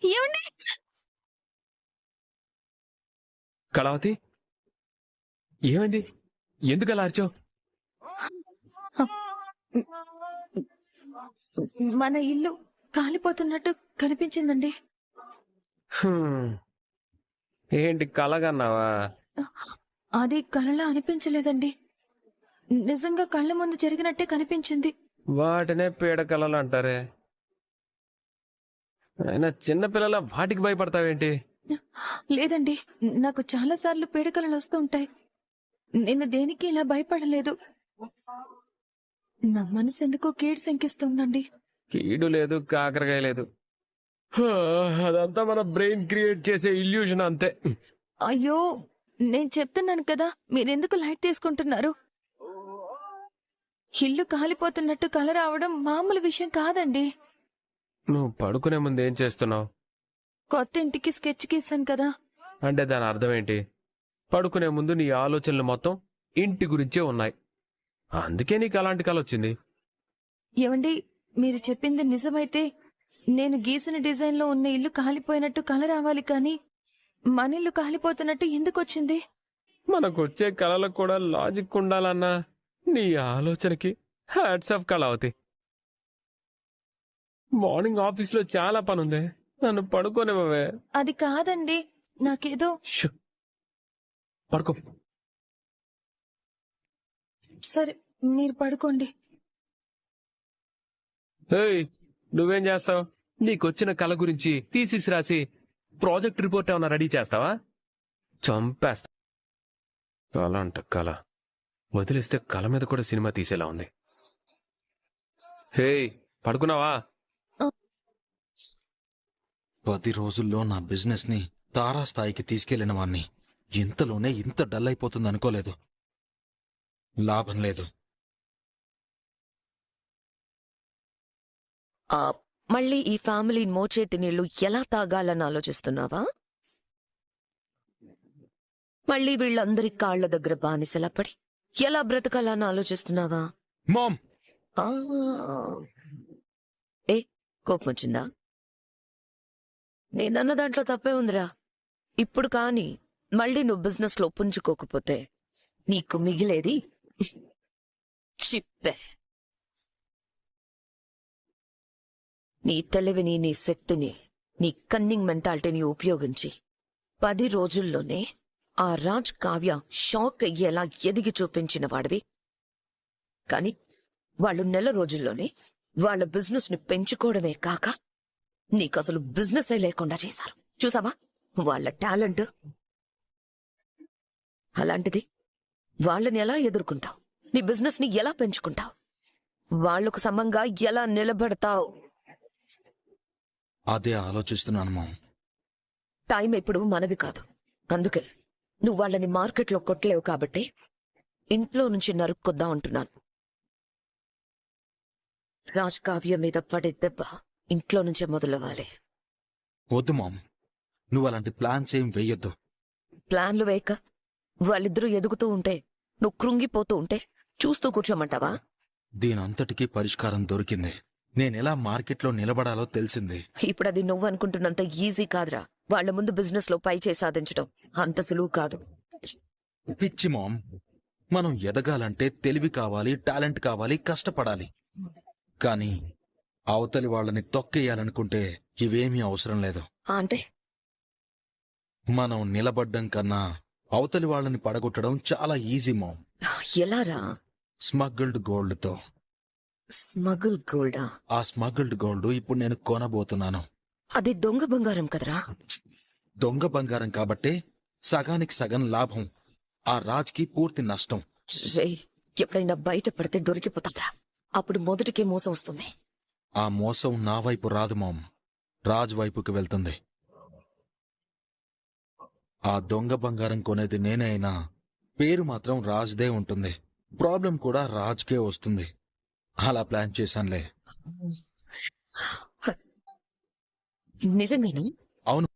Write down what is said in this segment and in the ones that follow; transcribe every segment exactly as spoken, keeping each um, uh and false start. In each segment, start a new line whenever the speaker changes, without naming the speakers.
ఏమండి?
కళావతి, ఏమైంది? ఎందుకు అలా అరిచావు?
మన ఇల్లు కాలిపోతున్నట్టు కనిపించిందండి.
హ్మ్. ఏంటి కలగన్నావా?
అది కలలా అనిపించలేదండి. నిజంగా కళ్ళ ముందు జరిగినట్టే కనిపించింది.
వాటినే పీడ కలలు అంటారే. అయినా చిన్నపిల్లల వాటికి భయపడతావేంటి?
లేదండి, నాకు చాలా సార్లు పీడకలలు వస్తూ ఉంటాయి. నేను దేనికి ఇలా భయపడలేదు. నా మనసు ఎందుకో కీడు శంకిస్తుందండి.
కీడు లేదు, కాకరకాయ లేదు. హా, అదంతా మన బ్రెయిన్ క్రియేట్ చేసే ఇల్యూషన్ అంతే.
అయ్యో, నేను చెప్తున్నాను కదా, మీరెందుకు లైట్ తీసుకుంటున్నారు? ఇల్లు కాలిపోతున్నట్టు కల రావడం మామూలు విషయం కాదండి.
నువ్వు పడుకునే ముందు ఏం చేస్తున్నావు?
కొత్త ఇంటికి స్కెచ్ గీసాను కదా.
అంటే దాని అర్థం ఏంటి? పడుకునే ముందు నీ ఆలోచనలు మొత్తం ఇంటి గురించే ఉన్నాయి. అందుకే నీకు అలాంటి కల వచ్చింది.
ఏవండి, మీరు చెప్పింది నిజమైతే నేను గీసిన డిజైన్లో ఉన్న ఇల్లు కాలిపోయినట్టు కల రావాలి, కానీ మన ఇల్లు కాలిపోతున్నట్టు ఎందుకు వచ్చింది?
మనకొచ్చే కళలకు కూడా లాజిక్ ఉండాలన్నా నీ ఆలోచనకి హ్యాట్స్ ఆఫ్ కళావతి. మార్నింగ్ ఆఫీస్లో చాలా పనుంది, నన్ను పడుకోనివ్వవే.
అది కాదండి, నాకేదో.
షూ. పడుకో.
సరే, మీరు పడుకోండి.
ఏయ్, నువ్వేం చేస్తావు? నీకొచ్చిన కళ గురించి థీసిస్ రాసి ప్రాజెక్ట్ రిపోర్ట్ ఏమైనా రెడీ చేస్తావా? చంపేస్తా. కళ అంట కళ, వదిలేస్తే కళ మీద కూడా సినిమా తీసేలా ఉంది. హే, పడుకున్నావా?
పది రోజుల్లో నా బిజినెస్ ని తారాస్థాయికి తీసుకెళ్లిన వాణ్ణి ఇంతలోనే ఇంత డల్ అయిపోతుంది అనుకోలేదు. లాభం లేదు.
ఆ మళ్ళీ ఈ ఫ్యామిలీ మోచేతి నీళ్లు ఎలా తాగాలని ఆలోచిస్తున్నావా? మళ్ళీ వీళ్ళందరి కాళ్ల దగ్గర బానిసలా పడి ఎలా బ్రతకాలని ఆలోచిస్తున్నావా?
మామ్,
ఆ, ఏ కోపం వచ్చిందా? నేనన్న దాంట్లో తప్పే ఉందిరా. ఇప్పుడు కాని మళ్ళీ నువ్వు బిజినెస్ లో పుంజుకోకపోతే నీకు మిగిలేది చిప్పే. నీ తెలివిని, నీ శక్తిని, నీ కన్నింగ్ మెంటాలిటీని ఉపయోగించి పది రోజుల్లోనే ఆ రాజ్ కావ్య షాక్ అయ్యేలా ఎదిగి చూపించిన వాడివి. కాని వాళ్ళు నెల రోజుల్లోనే వాళ్ళ బిజినెస్ ని పెంచుకోవడమే కాక నీకసలు బిజినెస్ లేకుండా చేశారు. చూసావా వాళ్ళ టాలెంట్? అలాంటిది వాళ్ళని ఎలా ఎదుర్కొంటావు? నీ బిజినెస్ ని ఎలా పెంచుకుంటావు? వాళ్లకు సమంగా ఎలా నిలబడతావు?
అదే ఆలోచిస్తున్నాను మామ్.
టైం ఇప్పుడు మనది కాదు. అందుకే నువ్వు వాళ్ళని మార్కెట్లో కొట్టలేవు కాబట్టి ఇంట్లో నుంచి నరుక్కొద్దాం అంటున్నాను. రాజ్ కావ్య మీద పడే దెబ్బ ఇంట్లో నుంచే మొదలవ్వాలి.
వద్దు మామ్, నువ్వు అలాంటి ప్లాన్స్ ఏం వెయ్యొద్దు.
ప్లాన్లు వేయక వాళ్ళిద్దరూ ఎదుగుతూ ఉంటే, నువ్వు కృంగిపోతూ ఉంటే చూస్తూ కూర్చోమంటావా?
దీనంతటికీ పరిష్కారం దొరికింది. నేనెలా మార్కెట్లో నిలబడాలో తెలిసింది.
ఇప్పుడు అది నువ్వు అనుకుంటున్నంత ఈజీ కాదురా. వాళ్ల ముందు బిజినెస్ లో పై చేసి సాధించడం అంత సులువు కాదు.
పిచ్చి మామ్, మనం ఎదగాలంటే తెలివి కావాలి, టాలెంట్ కావాలి, కష్టపడాలి. కానీ అవతలి వాళ్ళని తొక్కేయాలనుకుంటే ఇవేమీ అవసరం లేదు.
అంటే
మనం నిలబడ్డం కన్నా అవతలి వాళ్ళని పడగొట్టడం చాలా ఈజీ మామ్.
ఎలారా?
స్మగ్గిల్డ్ గోల్డ్తో.
స్మగుల్ గోల్డా?
ఆ స్మగ్గిల్డ్ గోల్డ్ ఇప్పుడు నేను కొనబోతున్నాను.
అది దొంగ బంగారం కదరా.
దొంగ బంగారం కాబట్టే సగానికి సగం లాభం, ఆ రాజ్కి పూర్తి నష్టం.
రేయ్, ఎప్పుడైనా బయట పడితే దొరికిపోతారా? అప్పుడు మొదటికే మోసం వస్తుంది.
ఆ మోసం నా వైపు రాదు మామ్, రాజ్ వైపుకి వెళ్తుంది. ఆ దొంగ బంగారం కొనేది నేనే అయినా పేరు మాత్రం రాజ్దే ఉంటుంది. ప్రాబ్లం కూడా రాజ్కే వస్తుంది. అలా ప్లాన్ చేశానులే.
నిజంగానే?
అవును.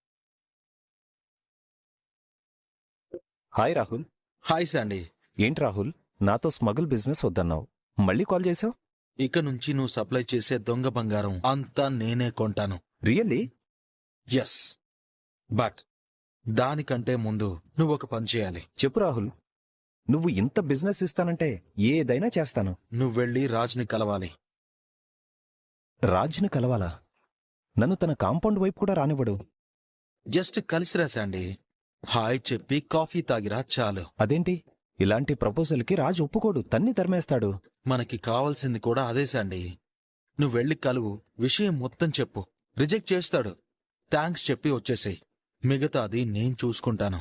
హాయ్ రాహుల్.
Hi Sandy.
ఏంటి రాహుల్, నాతో స్మగుల్ బిజినెస్ వద్దన్నావు, మళ్ళీ కాల్ చేసావు?
ఇక నుంచి నువ్వు సప్లై చేసే దొంగ బంగారం అంతా నేనే కొంటాను.
రియల్లీ?
ఎస్, బట్ దానికంటే ముందు నువ్వు ఒక పని చేయాలి.
చెప్పు రాహుల్, నువ్వు ఇంత బిజినెస్ ఇస్తానంటే ఏదైనా చేస్తాను.
నువ్వు వెళ్ళి రాజ్ని కలవాలి.
రాజ్ని కలవాలా? నన్ను తన కాంపౌండ్ వైపు కూడా రానివ్వడు.
జస్ట్ కలిసి రాశాండి. హాయ్ చెప్పి కాఫీ తాగిరా చాలు.
అదేంటి, ఇలాంటి ప్రపోజల్కి రాజ్ ఒప్పుకోడు, తన్ని తరిమేస్తాడు.
మనకి కావాల్సింది కూడా అదే శాండీ. నువ్వు వెళ్ళి కలువు, విషయం మొత్తం చెప్పు. రిజెక్ట్ చేస్తాడు, థ్యాంక్స్ చెప్పి వచ్చేసేయ్. మిగతాది నేను చూసుకుంటాను.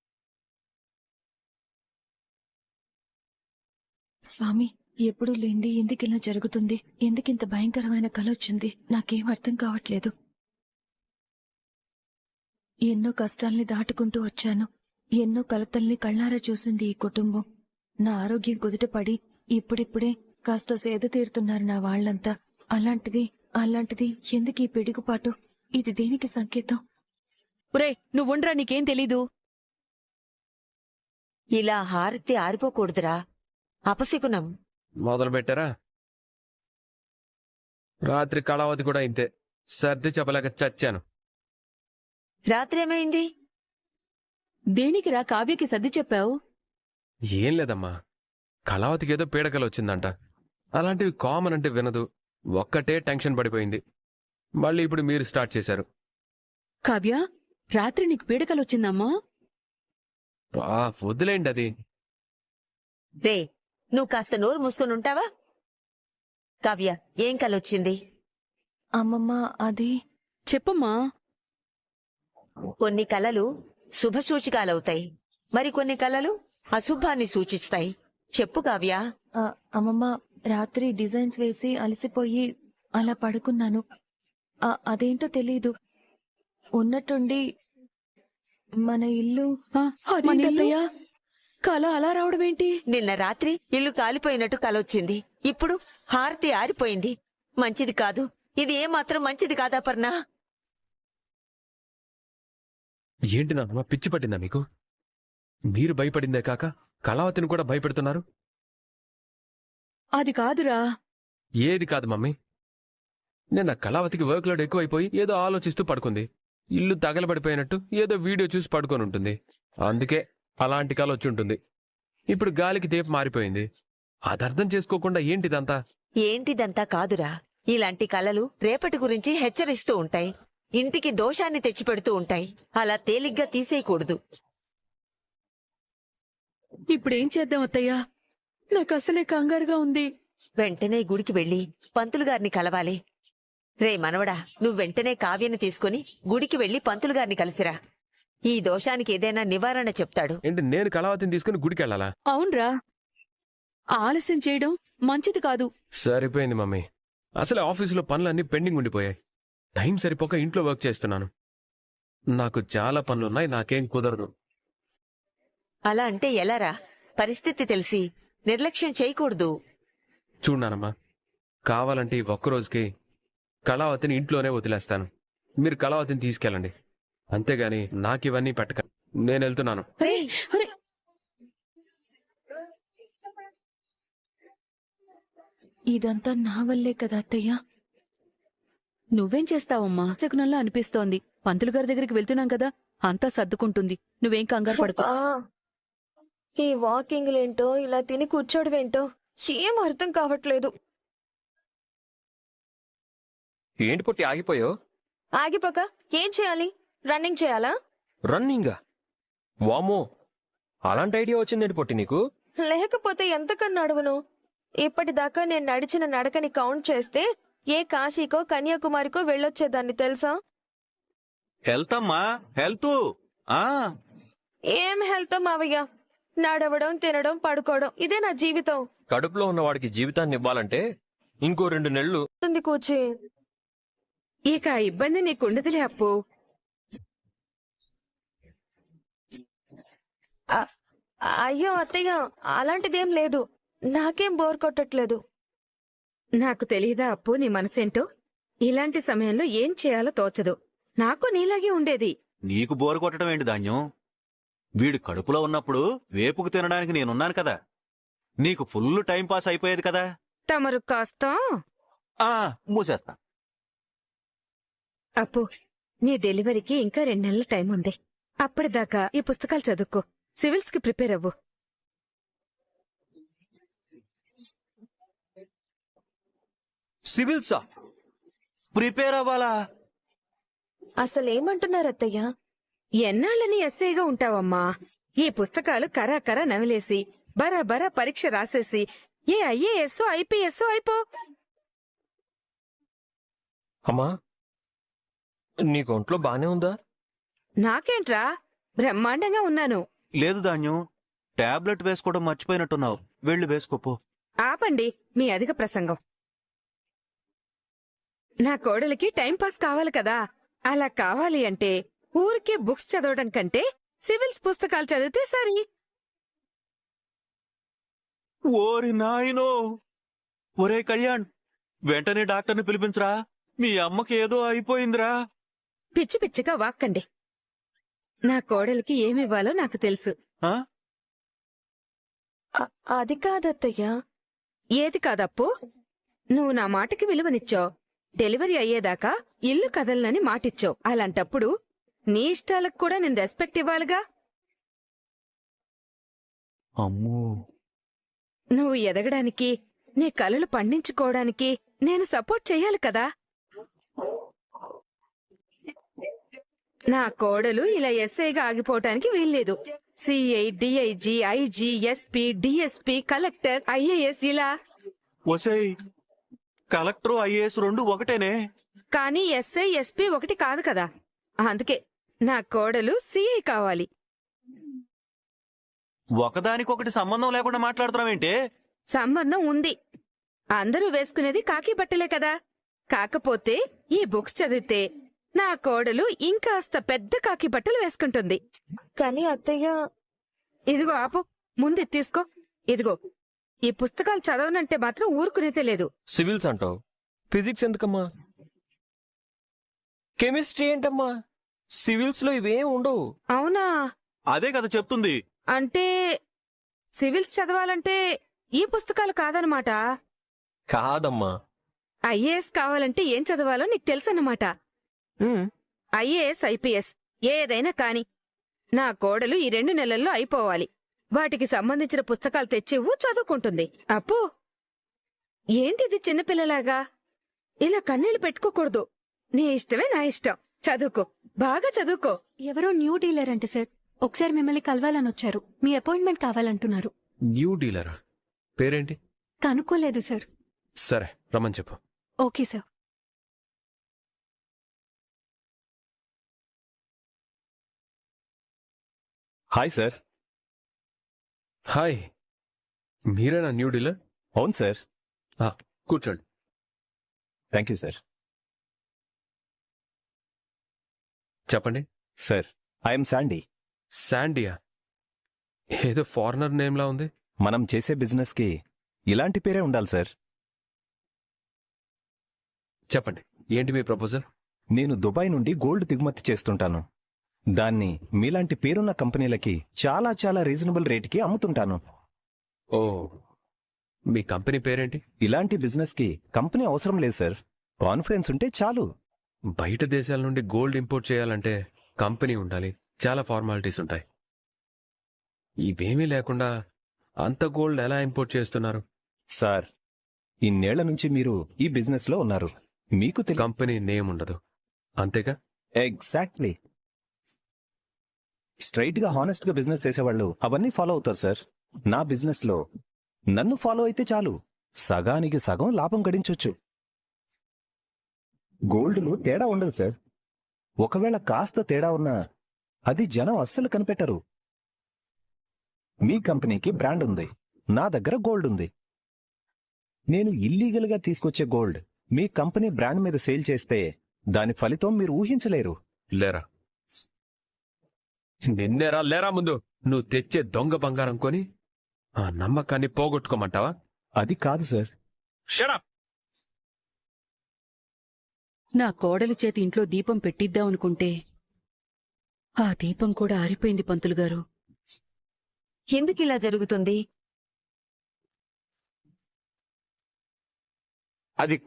స్వామి, ఎప్పుడూ లేంది ఎందుకు ఇలా జరుగుతుంది? ఎందుకింత భయంకరమైన కల వచ్చింది? నాకేం అర్థం కావట్లేదు. ఎన్నో కష్టాల్ని దాటుకుంటూ వచ్చాను. ఎన్నో కలతల్ని కళ్ళారా చూసింది ఈ కుటుంబం. నా ఆరోగ్యం కుదుటపడి ఇప్పుడిప్పుడే కాస్త సేద తీరుతున్నారు నా వాళ్లంతా. అలాంటిది అలాంటిది ఎందుకు ఈ పిడుగుపాటు? ఇది దేనికి సంకేతం?
ఒరే నువ్వుండ్రా, నీకేం తెలీదు.
ఇలా హారతి ఆరిపోకూడదురా, అపశకునం.
మొదలు పెట్టారా? రాత్రి కళావతి కూడా ఇంతే, సర్ది చెప్పలేక చచ్చాను.
రాత్రి ఏమైంది?
దేనికిరా కావ్యకి సర్ది చెప్పావు?
ఏం లేదమ్మా, కళావతికి ఏదో పీడకలు వచ్చిందంట. అలాంటివి కామన్ అంటే వినదు, ఒక్కటే టెన్షన్ పడిపోయింది. మళ్ళీ ఇప్పుడు మీరు స్టార్ట్ చేశారు.
కావ్య, రాత్రి నీకు పీడకలొచ్చిందమ్మా?
ఆ, వద్దులేండి అది.
రే, నువ్వు కాస్త నోరు మూసుకొని ఉంటావా? కావ్య, ఏం కలొచ్చింది?
అమ్మమ్మ, అది
చెప్పమ్మా.
కొన్ని కలలు శుభసూచికాలవుతాయి, మరికొన్ని కలలు అశుభాన్ని సూచిస్తాయి. చెప్పు కావ్య.
ఆ, అమ్మమ్మ, రాత్రి డిజైన్స్ వేసి అలసిపోయి అలా పడుకున్నాను. ఆ, అదేంటో తెలీదు, ఉన్నట్టుండి మన ఇల్లు
ఆ, అదేంటత్తయ్యా? కల అలా రావడమేంటి?
నిన్న రాత్రి ఇల్లు కాలిపోయినట్టు కలొచ్చింది. ఇప్పుడు హారతి ఆరిపోయింది. మంచిది కాదు, ఇది ఏమాత్రం మంచిది కాదా పర్ణ?
ఏంటి నాన్నమ్మ, పిచ్చి పట్టిందా మీకు? మీరు భయపడిందే కాక కళావతిని కూడా భయపెడుతున్నారు.
అది కాదురా.
ఏది కాదు మమ్మీ, నిన్న కళావతికి వర్క్ లోడ్ ఎక్కువైపోయి ఏదో ఆలోచిస్తూ పడుకుంది. ఇల్లు తగలబడిపోయినట్టు ఏదో వీడియో చూసి పడుకొని ఉంటుంది. అందుకే అలాంటి కళ వచ్చి ఉంటుంది. ఇప్పుడు గాలికి దీపం మారిపోయింది. అది అర్థం చేసుకోకుండా ఏంటిదంతా?
ఏంటిదంతా కాదురా, ఇలాంటి కలలు రేపటి గురించి హెచ్చరిస్తూ ఉంటాయి, ఇంటికి దోషాన్ని తెచ్చిపెడుతూ ఉంటాయి. అలా తేలిగ్గా తీసేయకూడదు.
ఇప్పుడేం చేద్దాం అత్తయ్యా? నాకు అసలే కంగారుగా ఉంది.
వెంటనే గుడికి వెళ్లి పంతులు గారిని కలవాలి. రే మనవడా, నువ్వు వెంటనే కావ్యని తీసుకుని గుడికి వెళ్లి పంతులు గారిని కలిసిరా. ఈ దోషానికి ఏదైనా నివారణ చెప్తాడు.
ఏంటి, నేను కళావతిని తీసుకుని గుడికి వెళ్ళాలా?
అవునరా, ఆలస్యం చేయడం మంచిది కాదు.
సరిపోయింది మమ్మీ, అసలే ఆఫీసులో పనులన్నీ పెండింగ్ ఉండిపోయాయి. టైం సరిపోక ఇంట్లో వర్క్ చేస్తున్నాను. నాకు చాలా పనులున్నాయి, నాకేం కుదరదు.
అలా అంటే ఎలారా? పరిస్థితి తెలిసి నిర్లక్ష్యం చేయకూడదు.
చూడనానమ్మా, కావాలంటే ఈ ఒక్కరోజుకి కళావతిని ఇంట్లోనే వదిలేస్తాను. మీరు కళావతిని తీసుకెళ్ళండి, అంతేగాని నాకివన్నీ పెట్టక. నేను వెళ్తున్నాను.
అరే, అరే,
ఇదంతా నా వల్లే కదా అత్తయ్య.
నువ్వేం చేస్తావమ్మా? శకునంలా అనిపిస్తోంది. పంతులు గారి దగ్గరికి వెళ్తున్నాం కదా, అంతా సర్దుకుంటుంది. నువ్వేం కంగారు పడుకో.
ఈ వాకింగ్లేంటో, ఇలా తిని కూర్చోడమేంటో ఏం అర్థం కావట్లేదు.
ఏంటి పొట్టి ఆగిపోయో?
ఆగిపోక ఏం చేయాలి? రన్నింగ్ చేయాలా?
రన్నింగా? వామో, అలాంటి ఐడియా వచ్చిందేంటి పొట్టి నీకు?
లేకపోతే ఎంతకన్నా నడువును? ఇప్పటిదాకా నేను నడిచిన నడకని కౌంట్ చేస్తే ఏ కాశీకో కన్యాకుమారికో వెళ్ళొచ్చేదాన్ని తెలుసా?
హెల్త్ అమ్మా, హెల్త్. ఆ
ఏం హెల్త్ మావయ్య? నడవడం, తినడం, పడుకోవడం, ఇదే నా జీవితం.
కడుపులో ఉన్నవాడికి జీవితాన్ని ఇవ్వాలంటే ఇంకో రెండు నెలలు
ఉంది కూర్చి.
ఇక ఆ ఇబ్బంది నీకుండదులే అప్పు.
అ- అయ్యో అత్తయ్య, అలాంటిదేం లేదు. నాకేం బోర్ కొట్టట్లేదు.
నాకు తెలియదా అప్పు నీ మనసేంటో? ఇలాంటి సమయంలో ఏం చేయాలో తోచదు. నాకు నీలాగే ఉండేది.
నీకు బోరు కొట్టడం ఏంటి ధాన్యం? వీడు కడుపులో ఉన్నప్పుడు వేపుకు తినడానికి నేనున్నాను కదా. నీకు ఫుల్ టైం పాస్ అయిపోయేది కదా.
తమరు కాస్త
ఆ మూసేస్తా.
అప్పు నీ డెలివరీకి ఇంకా రెండు నెలల టైం ఉంది. అప్పటిదాకా ఈ పుస్తకాలు చదువుకో, సివిల్స్ కి ప్రిపేర్ అవ్వు.
సివిల్సా? ప్రిపేర్ అవ్వాలా?
అసలేమంటున్నారు అత్తయ్య?
ఎన్నాళ్ళని ఎస్ఐగా ఉంటావమ్మా? ఈ పుస్తకాలు కరా కరా నవిలేసి బరాబరా పరీక్ష రాసేసి ఏ ఐఏఎస్ ఐపీఎస్ అయిపో.
అమ్మా, నీకు ఒంట్లో బానే ఉందా?
నాకేంట్రా, బ్రహ్మాండంగా ఉన్నాను.
లేదు ధాన్యం, టాబ్లెట్ వేసుకోవడం మర్చిపోయినట్టున్నావు. వెళ్ళి వేసుకోపో.
ఆపండి మీ అధిక ప్రసంగం. నా కోడలికి టైం పాస్ కావాలి కదా. అలా కావాలి అంటే ఊరికే బుక్స్ చదవడం కంటే సివిల్స్ పుస్తకాలు చదివితే సరి.
ఓరి నాయనో! ఒరే కళ్యాణ్, వెంటనే డాక్టర్ని పిలిపించరా. మీ అమ్మకి ఏదో అయిపోయిందిరా.
పిచ్చి పిచ్చిగా వాక్కండి. నా కోడలికి ఏమివ్వాలో నాకు తెలుసు.
ఆ?
అ- అది కాదత్తయ్య.
ఏది కాదప్పు? నువ్వు నా మాటకి విలువనిచ్చావు. డెలివరీ అయ్యేదాకా ఇల్లు కదలనని మాటిచ్చావు. అలాంటప్పుడు నీ ఇష్టాలకు కూడా నేను రెస్పెక్ట్ ఇవ్వాలిగా.
అమ్మో!
నువ్వు ఎదగడానికి, నీ కలలు పండించుకోవడానికి నేను సపోర్ట్ చెయ్యాలి కదా. నా కోడలు ఇలా ఎస్ఐగా ఆగిపోవటానికి వీల్లేదు. CI, DIG, IG, SP, DSP, collector, IAS ఇలా.
ఒసేయ్, కలెక్టర్ ఐఏఎస్ రెండు ఒకటేనే.
కానీ ఎస్ఐ, ఎస్పీ ఒకటి కాదు కదా. అందుకే నా కోడలు సిఐ కావాలి.
ఒకదానికొకటి సంబంధం లేకుండా మాట్లాడుతున్నావేంటే?
సంబంధం ఉంది. అందరూ వేసుకునేది కాకి బట్టలే కదా. కాకపోతే ఈ బుక్స్ చదివితే నా కోడలు ఇంకాస్త పెద్ద కాకి బట్టలు వేసుకుంటుంది.
కానీ అత్తయ్య,
ఇదిగో ఆపు, ముందు ఇది తీసుకో. ఇదిగో, ఈ పుస్తకాలు చదవనంటే మాత్రం ఊరుకునేదే లేదు.
సివిల్స్ అంటావు, ఫిజిక్స్ ఎందుకమ్మా? కెమిస్ట్రీ ఏంటమ్మా? సివిల్స్ లో ఇవేం ఉండవు.
అవునా?
అదే కదా చెప్తుంది.
అంటే సివిల్స్ చదవాలంటే ఈ పుస్తకాలు కాదనమాట.
కాదమ్మా.
ఐఏఎస్ కావాలంటే ఏం చదవాలో నీకు తెలుసన్నమాట.
ఉమ్,
ఐఏఎస్, ఐపీఎస్ ఏదైనా కాని నా కోడలు ఈ రెండు నెలల్లో అయిపోవాలి. వాటికి సంబంధించిన పుస్తకాలు తెచ్చివ్వు, చదువుకుంటుంది. అప్పు, ఏంటిది చిన్నపిల్లలాగా? ఇలా కన్నీళ్లు పెట్టుకోకూడదు. నీ ఇష్టమే నా ఇష్టం. చదువుకో, బాగా చదువుకో.
ఎవరో న్యూ డీలర్ అంటే సార్, ఒకసారి మిమ్మల్ని కలవాలని వచ్చారు. మీ అపాయింట్మెంట్ కావాలంటున్నారు.
న్యూ డీలరా? పేరేంటి?
కనుక్కోలేదు సార్.
సరే, రమ్మని చెప్పు.
Okay sir.
Hi sir.
Hi, మీరేనా న్యూ డీలర్?
అవును సార్.
ఆ, కూర్చోండి.
Thank you sir.
చెప్పండి.
Sir, I'm Sandy.
శాండియా? ఏదో ఫారినర్ నేమ్లా ఉంది.
మనం చేసే బిజినెస్కి ఇలాంటి పేరే ఉండాలి సార్.
చెప్పండి, ఏంటి మీ ప్రపోజల్?
నేను దుబాయ్ నుండి గోల్డ్ దిగుమతి చేస్తుంటాను. దాన్ని మీలాంటి పేరున్న కంపెనీలకి చాలా చాలా రీజనబుల్ రేటుకి అమ్ముతుంటాను.
ఓ, మీ కంపెనీ పేరేంటి?
ఇలాంటి బిజినెస్కి కంపెనీ అవసరం లేదు సార్. కాన్ఫిడెన్స్ ఉంటే చాలు.
బయట దేశాల నుండి గోల్డ్ ఇంపోర్ట్ చేయాలంటే కంపెనీ ఉండాలి, చాలా ఫార్మాలిటీస్ ఉంటాయి. ఇవేమీ లేకుండా అంత గోల్డ్ ఎలా ఇంపోర్ట్ చేస్తున్నారు?
సార్, ఇన్నేళ్ల నుంచి మీరు ఈ బిజినెస్లో ఉన్నారు. మీకు తెలి
కంపెనీ నేమ్ ఉండదు, అంతేగా?
ఎగ్జాక్ట్లీ. స్ట్రైట్ గా హానెస్ట్ గా బిజినెస్ చేసేవాళ్ళు అవన్నీ ఫాలో అవుతారు సార్. నా బిజినెస్ లో నన్ను ఫాలో అయితే చాలు, సగానికి సగం లాభం గడించొచ్చు. గోల్డ్లో తేడా ఉండదు సార్. ఒకవేళ కాస్త తేడా ఉన్నా అది జనం అస్సలు కనిపెట్టరు. మీ కంపెనీకి బ్రాండ్ ఉంది, నా దగ్గర గోల్డ్ ఉంది. నేను ఇల్లీగల్ గా తీసుకొచ్చే గోల్డ్ మీ కంపెనీ బ్రాండ్ మీద సేల్ చేస్తే దాని ఫలితం మీరు ఊహించలేరు.
లేరా? నిన్నేరా లేరా ముందు నువ్వు తెచ్చే దొంగ బంగారం కొని ఆ నమ్మకాన్ని పోగొట్టుకోమంటావా?
అది కాదు సార్.
షడప్!
నా కోడలి చేతి ఇంట్లో దీపం పెట్టిద్దామనుకుంటే ఆ దీపం కూడా ఆరిపోయింది పంతులు గారు.
ఎందుకిలా జరుగుతుంది?
అది